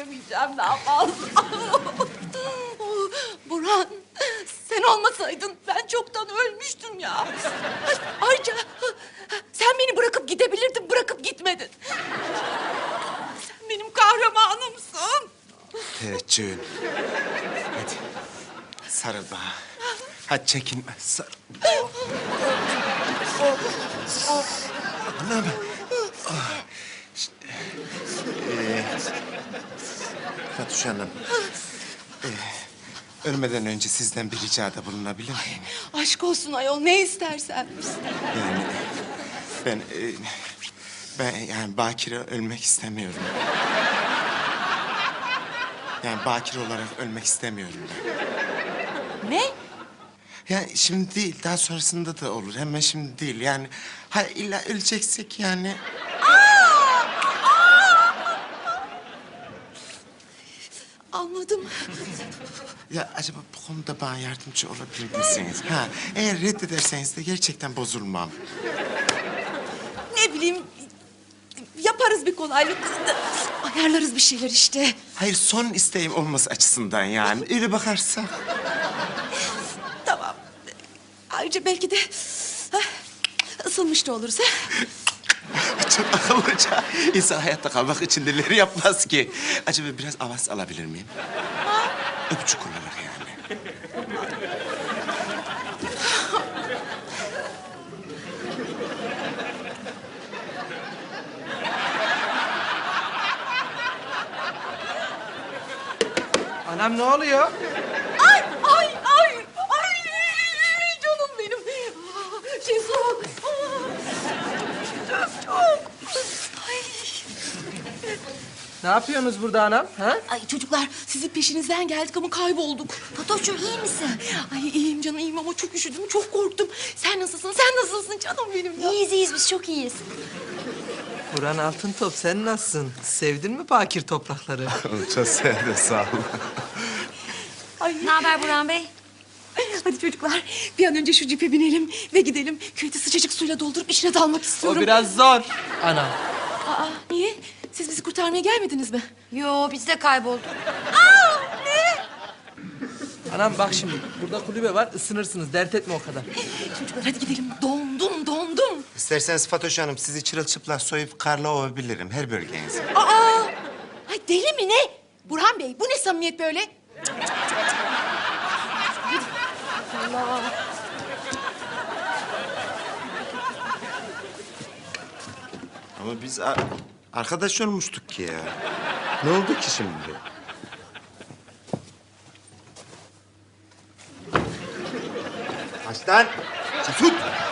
yürüyemeyeceğim daha fazla. Burhan, sen olmasaydın ben çoktan ölmüştüm ya. Ayrıca sen beni bırakıp gidebilirdin, bırakıp gitmedin. Sen benim kahramanımsın. Teveccühün. Hadi sarıl bana. Hadi çekinme sarıl. Anam. Fatoş Hanım. Ölmeden önce sizden bir ricada bulunabilir miyim? Aşk olsun ayol, ne istersen. Yani ben yani bakire ölmek istemiyorum. Yani bakire olarak ölmek istemiyorum ben. Ne? Yani şimdi değil, daha sonrasında da olur. Hemen şimdi değil. Yani ha illa öleceksek yani. Anladım. Ya acaba bu konuda bana yardımcı olabilir misiniz? Ha, eğer reddederseniz de gerçekten bozulmam. Ne bileyim, yaparız bir kolaylık. Ayarlarız bir şeyler işte. Hayır, son isteğim olması açısından yani. Öyle bakarsak. Tamam. Ayrıca belki de ısınmış da oluruz. Ha? Çok akıllıca. İnsan hayatta kalmak için neleri yapmaz ki? Acaba biraz avans alabilir miyim? Öpücük olarak yani. Anam ne oluyor? Ay, ay, ay, ay, canım benim. Şey soğuk. Çok. Ay. Ne yapıyorsunuz burada anam? Ha? Ay çocuklar, sizin peşinizden geldik ama kaybolduk. Fatoş'cum iyi misin? Ay iyiyim canım, iyiyim ama çok üşüdüm, çok korktum. Sen nasılsın, sen nasılsın canım benim ya? İyiyiz, biz çok iyiyiz. Burhan Altıntop, sen nasılsın? Sevdin mi bakir toprakları? Çok sevdim, sağ ol. Ay. Ne haber Burhan Bey? Hadi çocuklar, bir an önce şu cipe binelim ve gidelim. Küveti sıcacık suyla doldurup içine dalmak O istiyorum. biraz zor anam. Aa, niye? Siz bizi kurtarmaya gelmediniz mi? Yo, biz de kaybolduk. Anam bak şimdi, burada kulübe var, ısınırsınız. Dert etme o kadar. Çocuklar hadi gidelim. Dondum. İsterseniz Fatoş Hanım sizi çırılçıplak soyup karla ovabilirim her bölgenizi. Aa! Ay deli mi ne? Burhan Bey, bu ne samimiyet böyle? Allah. Ama biz arkadaş olmuştuk ki ya. Ne oldu ki şimdi? Aç lan! Tut!